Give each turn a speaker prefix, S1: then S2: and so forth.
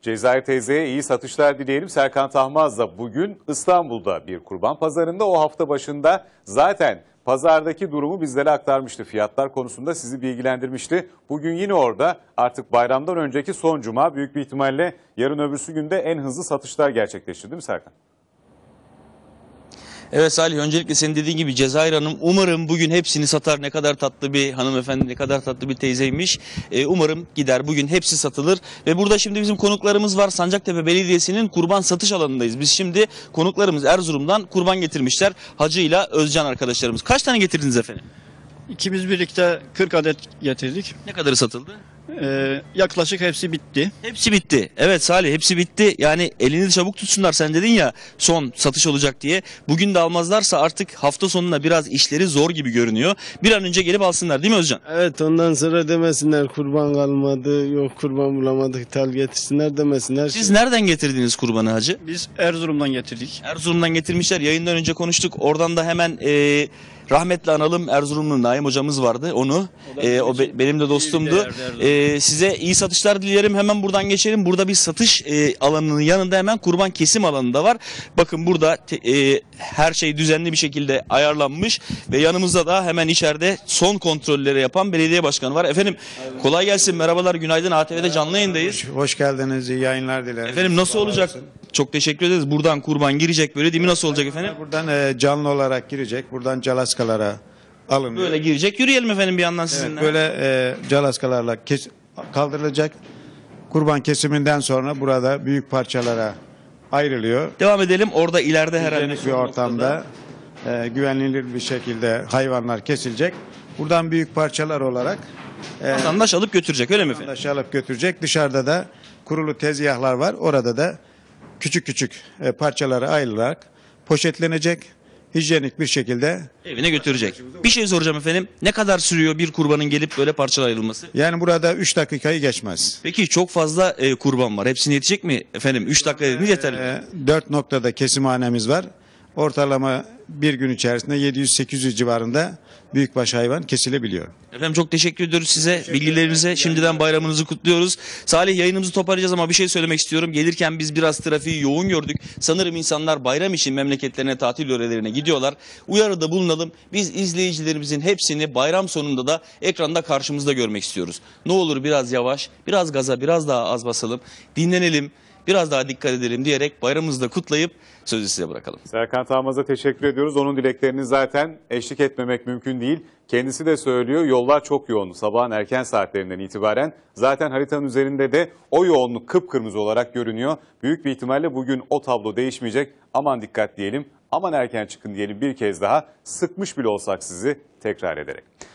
S1: Cezayir teyzeye iyi satışlar dileyelim. Serkan Tahmaz da bugün İstanbul'da bir kurban pazarında, o hafta başında zaten pazardaki durumu bizlere aktarmıştı. Fiyatlar konusunda sizi bilgilendirmişti. Bugün yine orada, artık bayramdan önceki son cuma, büyük bir ihtimalle yarın öbürsü günde en hızlı satışlar gerçekleşti değil mi Serkan?
S2: Evet Salih, öncelikle senin dediğin gibi Cezayir Hanım umarım bugün hepsini satar. Ne kadar tatlı bir hanımefendi, ne kadar tatlı bir teyzeymiş. Umarım gider bugün hepsi satılır. Ve burada şimdi bizim konuklarımız var. Sancaktepe Belediyesi'nin kurban satış alanındayız. Biz şimdi konuklarımız Erzurum'dan kurban getirmişler. Hacı ile Özcan arkadaşlarımız. Kaç tane getirdiniz efendim?
S3: İkimiz birlikte 40 adet getirdik.
S2: Ne kadarı satıldı?
S3: Yaklaşık hepsi bitti.
S2: Hepsi bitti. Evet Salih, hepsi bitti. Yani elini çabuk tutsunlar, sen dedin ya son satış olacak diye. Bugün de almazlarsa artık hafta sonuna biraz işleri zor gibi görünüyor. Bir an önce gelip alsınlar değil mi Özcan?
S4: Evet, ondan sonra demesinler kurban kalmadı, yok kurban bulamadık, tal getirsinler demesinler.
S2: Siz nereden getirdiniz kurbanı hacı?
S3: Biz Erzurum'dan getirdik.
S2: Erzurum'dan getirmişler. Yayından önce konuştuk. Oradan da hemen rahmetli analım, Erzurumlu Naim hocamız vardı. Onu benim de dostumdu. Size iyi satışlar dilerim. Hemen buradan geçelim. Burada bir satış alanının yanında hemen kurban kesim alanı da var. Bakın burada her şey düzenli bir şekilde ayarlanmış ve yanımızda da hemen içeride son kontrolleri yapan belediye başkanı var. Efendim kolay gelsin. Merhabalar, günaydın. ATV'de canlı yayındayız.
S5: Hoş geldiniz. İyi yayınlar dilerim.
S2: Efendim nasıl olacak? Çok teşekkür ederiz. Buradan kurban girecek böyle değil mi? Nasıl olacak efendim?
S5: Buradan canlı olarak girecek. Buradan calaskalara alınıyor.
S2: Böyle girecek. Yürüyelim efendim bir yandan sizinle.
S5: Evet, böyle calaskalarla kaldırılacak. Kurban kesiminden sonra burada büyük parçalara ayrılıyor.
S2: Devam edelim. Orada ileride herhalde
S5: Hijyenik bir ortamda güvenilir bir şekilde hayvanlar kesilecek. Buradan büyük parçalar olarak
S2: vatandaş alıp götürecek, öyle mi efendim?
S5: vatandaş alıp götürecek. Dışarıda da kurulu tezgahlar var. Orada da küçük küçük parçalara ayrılarak poşetlenecek, hijyenik bir şekilde
S2: Evine götürecek. Bir şey soracağım efendim. Ne kadar sürüyor bir kurbanın gelip böyle parçalara ayrılması?
S5: yani burada 3 dakikayı geçmez.
S2: Peki çok fazla kurban var. Hepsine yetecek mi efendim? 3 dakika dediniz yeterli.
S5: 4 noktada kesimhanemiz var. Ortalama bir gün içerisinde 700-800 civarında büyükbaş hayvan kesilebiliyor.
S2: Efendim çok teşekkür ediyoruz size, bilgilerinize. Şimdiden bayramınızı kutluyoruz. Salih, yayınımızı toparlayacağız ama bir şey söylemek istiyorum. Gelirken biz biraz trafiği yoğun gördük. Sanırım insanlar bayram için memleketlerine, tatil yörelerine gidiyorlar. Uyarıda bulunalım. Biz izleyicilerimizin hepsini bayram sonunda da ekranda karşımızda görmek istiyoruz. Ne olur biraz yavaş, biraz gaza, biraz daha az basalım. Dinlenelim, biraz daha dikkat edelim diyerek bayramımızı da kutlayıp sözü size bırakalım.
S1: Serkan Tahmaz'a teşekkür ediyoruz. Onun dileklerini zaten eşlik etmemek mümkün değil. Kendisi de söylüyor, yollar çok yoğun. Sabahın erken saatlerinden itibaren zaten haritanın üzerinde de o yoğunluk kıpkırmızı olarak görünüyor. Büyük bir ihtimalle bugün o tablo değişmeyecek. Aman dikkat diyelim, aman erken çıkın diyelim bir kez daha. Sıkmış bile olsak sizi tekrar ederek.